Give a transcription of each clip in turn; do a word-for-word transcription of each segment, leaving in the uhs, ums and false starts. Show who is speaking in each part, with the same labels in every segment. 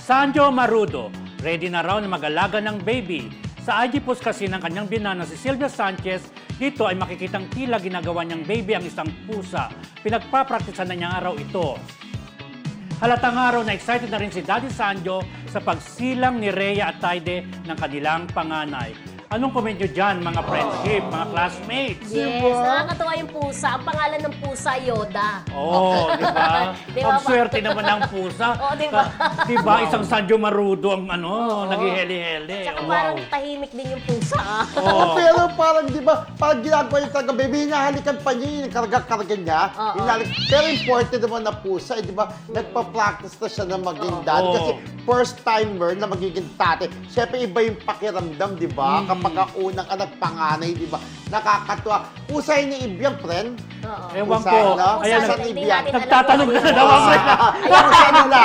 Speaker 1: Sanjo Marudo, ready na raw na mag-alaga ng baby. Sa I G post kasi ng kanyang binana si Sylvia Sanchez, dito ay makikitang tila ginagawa niyang baby ang isang pusa. Pinagpapraktisan na niya araw ito. Halatang araw na excited na rin si Daddy Sanjo sa pagsilang ni Rhea at Taide ng kanilang panganay. Anong comment nyo dyan, mga friendship, mga classmates?
Speaker 2: Yes,
Speaker 3: Diba?
Speaker 2: nakakatawa yung pusa. Ang pangalan ng pusa, Yoda.
Speaker 1: Oo, oh, di ba?
Speaker 2: Di ba,
Speaker 1: Ang
Speaker 2: ma-
Speaker 1: swerte naman ng pusa.
Speaker 2: Oo, di ba?
Speaker 1: Ka- Di ba? Isang Sanjo Marudo ang ano, naghiheli-heli.
Speaker 2: Tsaka
Speaker 1: Oh,
Speaker 2: parang
Speaker 1: wow.
Speaker 2: tahimik din yung pusa. ah.
Speaker 1: Oo.
Speaker 3: Pero parang, di ba, parang ginagawa yung talaga, baby, hinahalikan pa niya, yung karga-karga niya.
Speaker 2: Oo.
Speaker 3: Hinahalik. Pero important naman na pusa, eh, di ba, nagpa-practice na siya na maging dad.
Speaker 1: Oo.
Speaker 3: Kasi first timer na magiging tate. Siyempre, iba yung pakiramdam, di ba?
Speaker 1: Mm.
Speaker 3: Kapag ang unang anak panganay, di ba? Nakakatuwa. Pusa yun ni Ibiang, friend.
Speaker 2: Oo.
Speaker 1: Ewan
Speaker 3: Pusa,
Speaker 1: ko.
Speaker 3: no?
Speaker 1: Ayan,
Speaker 3: Pusa
Speaker 1: nag-
Speaker 3: ni
Speaker 2: Hindi
Speaker 3: Ibiang.
Speaker 2: natin alam
Speaker 1: nagtatanong
Speaker 2: kung
Speaker 1: na
Speaker 2: ano
Speaker 1: daw
Speaker 2: yun.
Speaker 1: ako.
Speaker 3: Pusa nila.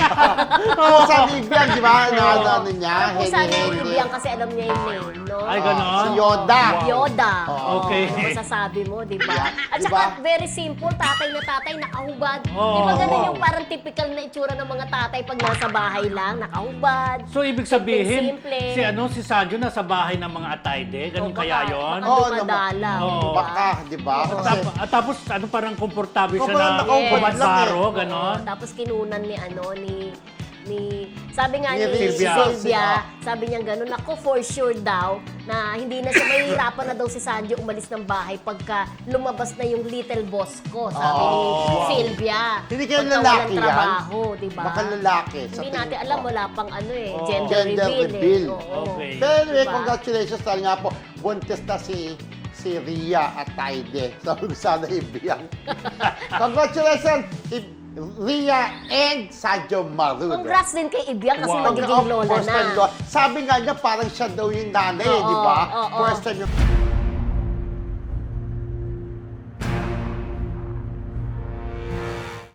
Speaker 3: Pusa ni Ibiang, di ba? Na ano niya?
Speaker 2: Ang pusa ni
Speaker 3: Heli-heli.
Speaker 2: Ibiang kasi alam niya yung name, no?
Speaker 1: Ay, ganon?
Speaker 3: Si Yoda.
Speaker 1: Wow.
Speaker 2: Yoda.
Speaker 3: Oo.
Speaker 1: Okay.
Speaker 2: Ano masasabi mo, di ba?
Speaker 3: Yeah.
Speaker 2: At
Speaker 3: Di
Speaker 2: saka,
Speaker 3: ba?
Speaker 2: very simple, tatay na tatay, nakahubad.
Speaker 1: Oo.
Speaker 2: Di ba ganun yung parang typical na itsura ng mga tatay pag nasa bahay lang, nakahubad.
Speaker 1: So, ibig sabihin,
Speaker 2: Simple.
Speaker 1: si ano si Sanjo nasa bahay ng mga Atayde? Ganun
Speaker 2: O,
Speaker 1: kaya
Speaker 2: baka-
Speaker 1: yon?
Speaker 2: baka
Speaker 3: Oo,
Speaker 2: dumadala.
Speaker 1: naman.
Speaker 2: di
Speaker 1: Oo.
Speaker 2: ba?
Speaker 3: Baka, di ba?
Speaker 1: At,
Speaker 3: Kasi,
Speaker 1: tap- at tapos, ano parang komportable siya
Speaker 3: Parang
Speaker 1: na
Speaker 3: nakaubad
Speaker 2: lang
Speaker 1: kumansaro,
Speaker 3: eh.
Speaker 1: ganon?
Speaker 2: Oo, tapos kinunan ni ano, ni ni sabi nga
Speaker 3: Ni
Speaker 2: ni,
Speaker 1: Sylvia.
Speaker 2: Sylvia, sabi niya gano'n, ako for sure daw na hindi na siya mahihirapan na daw si Sanjo umalis ng bahay pagka lumabas na yung little boss ko, sabi
Speaker 3: Oh.
Speaker 2: ni Sylvia.
Speaker 3: Hindi kaya
Speaker 2: Pagka
Speaker 3: lalaki
Speaker 2: walang
Speaker 3: yan?
Speaker 2: trabaho, di ba?
Speaker 3: baka lalaki. sa
Speaker 2: Hindi
Speaker 3: tingin
Speaker 2: natin
Speaker 3: ko.
Speaker 2: alam, wala pang ano eh,
Speaker 1: Oh.
Speaker 2: gender,
Speaker 3: Gender
Speaker 2: reveal,
Speaker 3: reveal.
Speaker 2: eh. Oo.
Speaker 1: Okay.
Speaker 3: Pero anyway,
Speaker 2: Diba?
Speaker 3: congratulations dahil nga po, buntis na si si Rhea at Taide. Sabi ko sana ibiyang. Congratulations, I- Rhea and Sanjo Marudo.
Speaker 2: Congrats din kay Ibiang kasi
Speaker 1: Wow.
Speaker 2: magiging lola
Speaker 3: First time
Speaker 2: na.
Speaker 3: lola. Sabi nga niya, parang siya daw yung nanay,
Speaker 2: Oo,
Speaker 3: di ba?
Speaker 2: oo.
Speaker 3: First time yung...